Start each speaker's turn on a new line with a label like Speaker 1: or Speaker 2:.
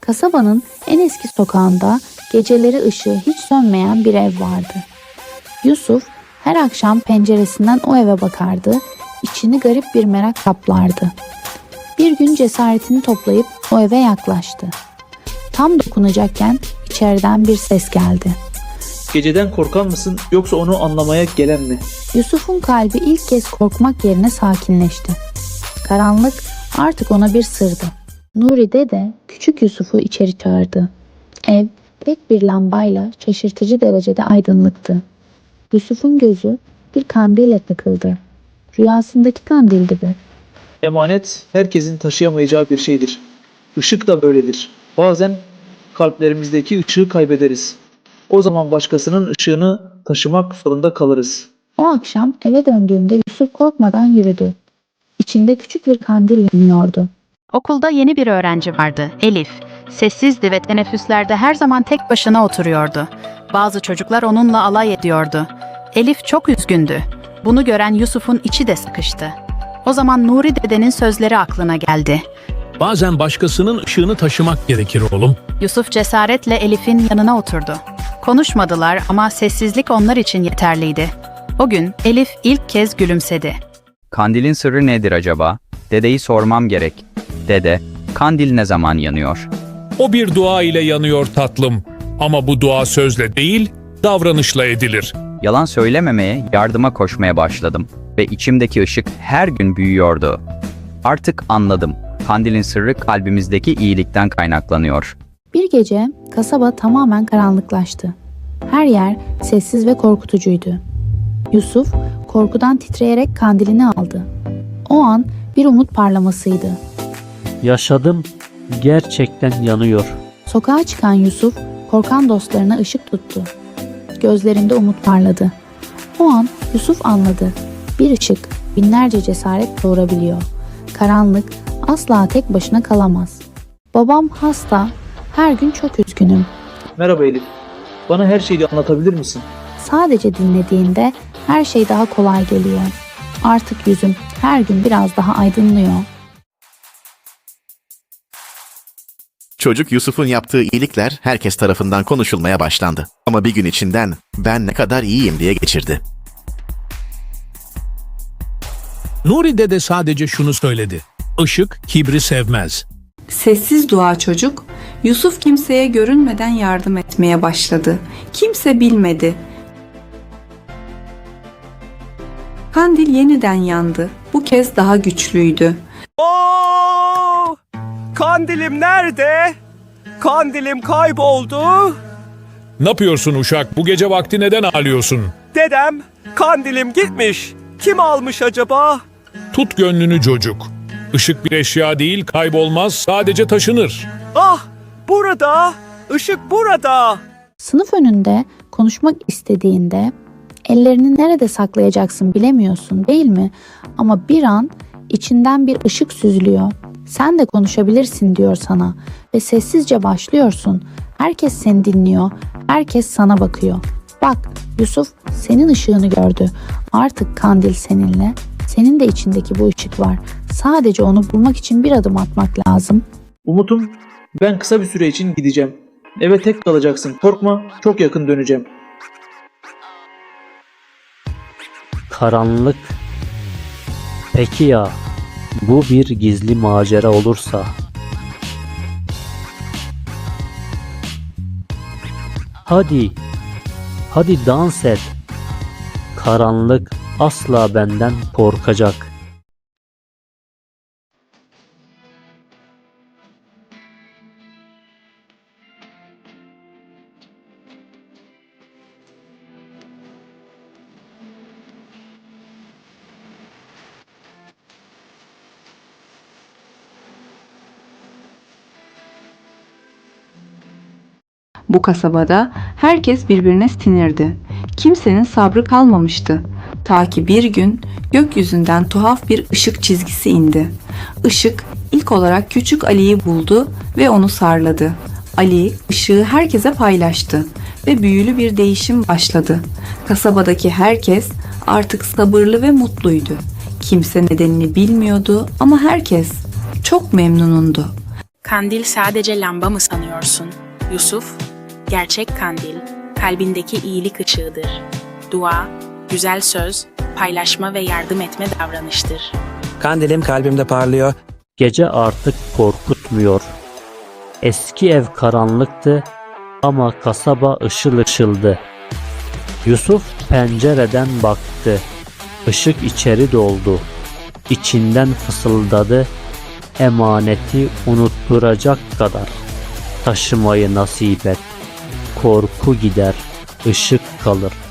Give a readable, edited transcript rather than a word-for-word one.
Speaker 1: Kasabanın en eski sokağında geceleri ışığı hiç sönmeyen bir ev vardı. Yusuf her akşam penceresinden o eve bakardı, içini garip bir merak kaplardı. Bir gün cesaretini toplayıp o eve yaklaştı. Tam dokunacakken içeriden bir ses geldi.
Speaker 2: Geceden korkan mısın yoksa onu anlamaya gelen mi?
Speaker 1: Yusuf'un kalbi ilk kez korkmak yerine sakinleşti. Karanlık artık ona bir sırdı. Nuri dede küçük Yusuf'u içeri çağırdı. Ev tek bir lambayla şaşırtıcı derecede aydınlıktı. Yusuf'un gözü bir kandille takıldı. Rüyasındaki kandildi bu.
Speaker 2: Emanet herkesin taşıyamayacağı bir şeydir. Işık da böyledir. Bazen kalplerimizdeki ışığı kaybederiz. O zaman başkasının ışığını taşımak zorunda kalırız.
Speaker 1: O akşam eve döndüğünde Yusuf korkmadan yürüdü. İçinde küçük bir kandil yanıyordu.
Speaker 3: Okulda yeni bir öğrenci vardı, Elif. Sessizdi ve teneffüslerde her zaman tek başına oturuyordu. Bazı çocuklar onunla alay ediyordu. Elif çok üzgündü. Bunu gören Yusuf'un içi de sıkıştı. O zaman Nuri dedenin sözleri aklına geldi.
Speaker 4: Bazen başkasının ışığını taşımak gerekir oğlum.
Speaker 3: Yusuf cesaretle Elif'in yanına oturdu. Konuşmadılar ama sessizlik onlar için yeterliydi. O gün Elif ilk kez gülümsedi.
Speaker 5: Kandilin sırrı nedir acaba? Dedeyi sormam gerek. Dede, kandil ne zaman yanıyor?
Speaker 4: O bir dua ile yanıyor tatlım. Ama bu dua sözle değil, davranışla edilir.
Speaker 5: Yalan söylememeye, yardıma koşmaya başladım ve içimdeki ışık her gün büyüyordu. Artık anladım. Kandilin sırrı kalbimizdeki iyilikten kaynaklanıyor.
Speaker 1: Bir gece kasaba tamamen karanlıklaştı. Her yer sessiz ve korkutucuydu. Yusuf korkudan titreyerek kandilini aldı. O an bir umut parlamasıydı.
Speaker 6: Yaşadım, gerçekten yanıyor.
Speaker 1: Sokağa çıkan Yusuf korkan dostlarına ışık tuttu. Gözlerinde umut parladı. O an Yusuf anladı. Bir ışık binlerce cesaret doğurabiliyor. Karanlık asla tek başına kalamaz. Babam hasta, her gün çok üzgünüm.
Speaker 2: Merhaba Elif. Bana her şeyi anlatabilir misin?
Speaker 1: Sadece dinlediğinde her şey daha kolay geliyor. Artık yüzüm her gün biraz daha aydınlıyor.
Speaker 7: Çocuk Yusuf'un yaptığı iyilikler herkes tarafından konuşulmaya başlandı. Ama bir gün içinden ben ne kadar iyiyim diye geçirdi.
Speaker 4: Nuri dede sadece şunu söyledi. Işık kibri sevmez.
Speaker 8: Sessiz dua çocuk, Yusuf kimseye görünmeden yardım etmeye başladı. Kimse bilmedi. Kandil yeniden yandı. Bu kez daha güçlüydü.
Speaker 9: Oo! Kandilim nerede? Kandilim kayboldu.
Speaker 4: Ne yapıyorsun uşak? Bu gece vakti neden ağlıyorsun?
Speaker 9: Dedem, kandilim gitmiş. Kim almış acaba?
Speaker 4: Tut gönlünü çocuk. Işık bir eşya değil, kaybolmaz, sadece taşınır.
Speaker 9: Ah, burada. Işık burada.
Speaker 1: Sınıf önünde konuşmak istediğinde ellerini nerede saklayacaksın bilemiyorsun değil mi? Ama bir an içinden bir ışık süzülüyor. Sen de konuşabilirsin diyor sana ve sessizce başlıyorsun. Herkes seni dinliyor, herkes sana bakıyor. Bak Yusuf senin ışığını gördü. Artık kandil seninle. Senin de içindeki bu ışık var. Sadece onu bulmak için bir adım atmak lazım.
Speaker 2: Umut'um, ben kısa bir süre için gideceğim. Eve tek kalacaksın. Korkma, çok yakın döneceğim.
Speaker 6: Karanlık. Peki ya, bu bir gizli macera olursa? Hadi, hadi dans et. Karanlık asla benden korkacak.
Speaker 8: Bu kasabada herkes birbirine sinirdi. Kimsenin sabrı kalmamıştı. Ta ki bir gün gökyüzünden tuhaf bir ışık çizgisi indi. Işık ilk olarak küçük Ali'yi buldu ve onu sarladı. Ali ışığı herkese paylaştı ve büyülü bir değişim başladı. Kasabadaki herkes artık sabırlı ve mutluydu. Kimse nedenini bilmiyordu ama herkes çok memnunundu.
Speaker 10: Kandil sadece lamba mı sanıyorsun? Yusuf, gerçek kandil, kalbindeki iyilik ışığıdır. Dua, güzel söz, paylaşma ve yardım etme davranıştır.
Speaker 9: Kandilim kalbimde parlıyor.
Speaker 6: Gece artık korkutmuyor. Eski ev karanlıktı ama kasaba ışıl ışıldı. Yusuf pencereden baktı. Işık içeri doldu. İçinden fısıldadı. Emaneti unutturacak kadar. Taşımayı nasip et. Korku gider, ışık kalır.